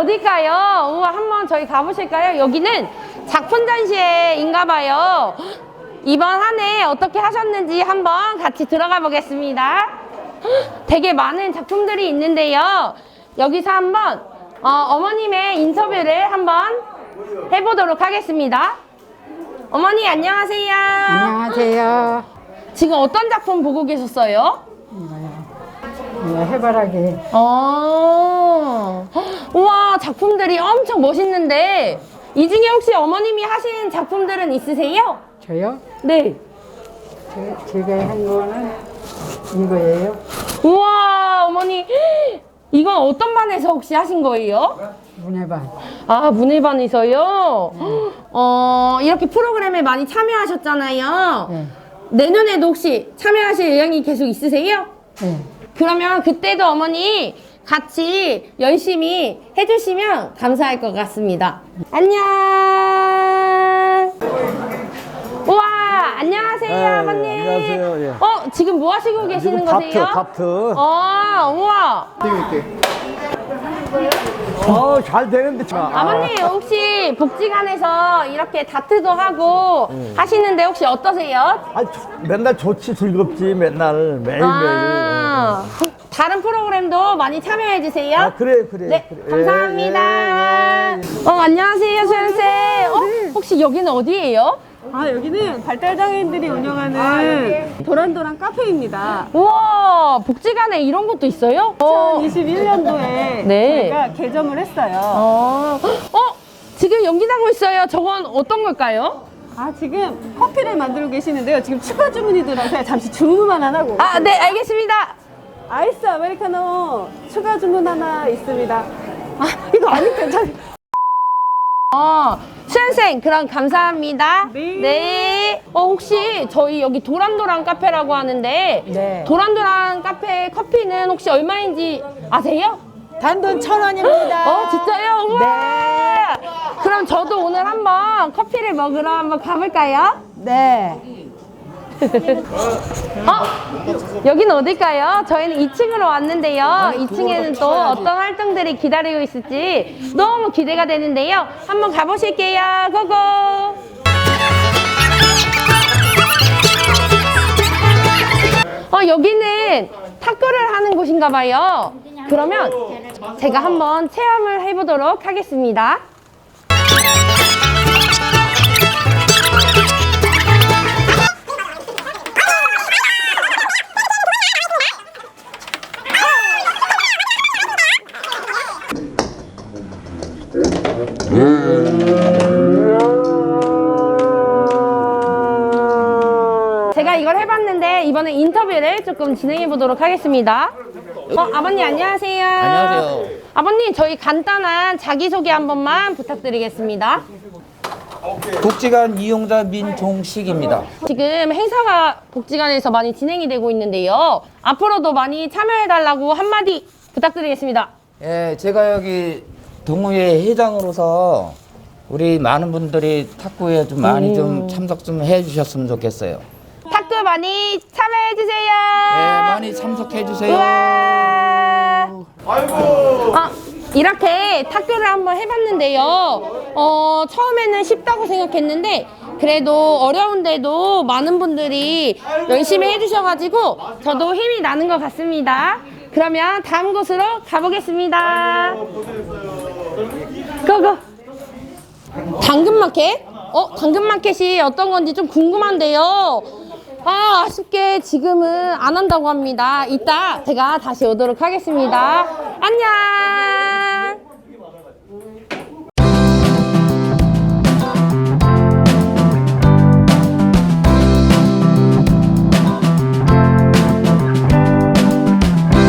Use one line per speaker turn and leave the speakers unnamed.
어딜까요? 우와, 한번 저희 가보실까요? 여기는 작품 전시회인가 봐요. 이번 한 해 어떻게 하셨는지 한번 같이 들어가 보겠습니다. 되게 많은 작품들이 있는데요. 여기서 한번 어머님의 인터뷰를 한번 해보도록 하겠습니다. 어머니 안녕하세요.
안녕하세요.
지금 어떤 작품 보고 계셨어요?
해바라기.
우와, 작품들이 엄청 멋있는데 이 중에 혹시 어머님이 하신 작품들은 있으세요?
저요?
네.
제가 한 거는 이거예요.
우와, 어머니 이건 어떤 반에서 혹시 하신 거예요?
문해반.
아, 문예반에서요? 이렇게 프로그램에 많이 참여하셨잖아요.
네.
내년에도 혹시 참여하실 의향이 계속 있으세요?
네.
그러면 그때도 어머니 같이 열심히 해주시면 감사할 것 같습니다. 안녕. 우와, 안녕하세요,
네,
아버님.
안녕하세요. 예.
지금 뭐 하시고 계시는 거세요?
다트.
우와.
잘 되는데.
아버님, 혹시 복지관에서 이렇게 다트도 하고 하시는데 혹시 어떠세요?
맨날 좋지, 즐겁지, 맨날, 매일매일.
다른 프로그램도 많이 참여해주세요.
그래.
네,
그래.
감사합니다.
예.
안녕하세요, 소연쌤. 혹시 여기는 어디예요?
여기는 발달장애인들이 운영하는 도란도란 카페입니다.
우와, 복지관에 이런 것도 있어요?
2021년도에
네.
저희가 개점을 했어요.
지금 연기 나고 있어요. 저건 어떤 걸까요?
지금 커피를 만들고 계시는데요. 지금 추가 주문이 들어서 잠시 주문만 안 하고.
네, 알겠습니다.
아이스 아메리카노 추가 주문 하나 있습니다. 이거 아니 괜찮아요.
수연쌤, 그럼 감사합니다.
네.
혹시 저희 여기 도란도란 카페라고 하는데
네.
도란도란 카페 커피는 혹시 얼마인지 아세요?
단돈 1,000원입니다.
진짜요? 우와! 그럼 저도 오늘 한번 커피를 먹으러 한번 가볼까요?
네.
여기는 어딜까요? 저희는 2층으로 왔는데요. 2층에는 또 어떤 활동들이 기다리고 있을지 너무 기대가 되는데요. 한번 가보실게요. 고고! 여기는 탁구를 하는 곳인가 봐요. 그러면 제가 한번 체험을 해보도록 하겠습니다. 제가 이걸 해봤는데 이번에 인터뷰를 조금 진행해 보도록 하겠습니다. 아버님 안녕하세요.
안녕하세요.
아버님, 저희 간단한 자기소개 한 번만 부탁드리겠습니다.
복지관 이용자 민종식입니다.
지금 행사가 복지관에서 많이 진행이 되고 있는데요. 앞으로도 많이 참여해달라고 한마디 부탁드리겠습니다.
예, 제가 여기 동호회 회장으로서 우리 많은 분들이 탁구에 좀 많이 좀 참석 좀 해주셨으면 좋겠어요.
탁구 많이 참여해주세요.
예, 많이 참석해주세요.
우와. 이렇게 탁구를 한번 해봤는데요. 처음에는 쉽다고 생각했는데 그래도 어려운데도 많은 분들이 열심히 해주셔가지고 저도 힘이 나는 것 같습니다. 그러면 다음 곳으로 가보겠습니다. 고고! 당근마켓? 당근마켓이 어떤 건지 좀 궁금한데요. 아쉽게 지금은 안 한다고 합니다. 이따 제가 다시 오도록 하겠습니다. 안녕!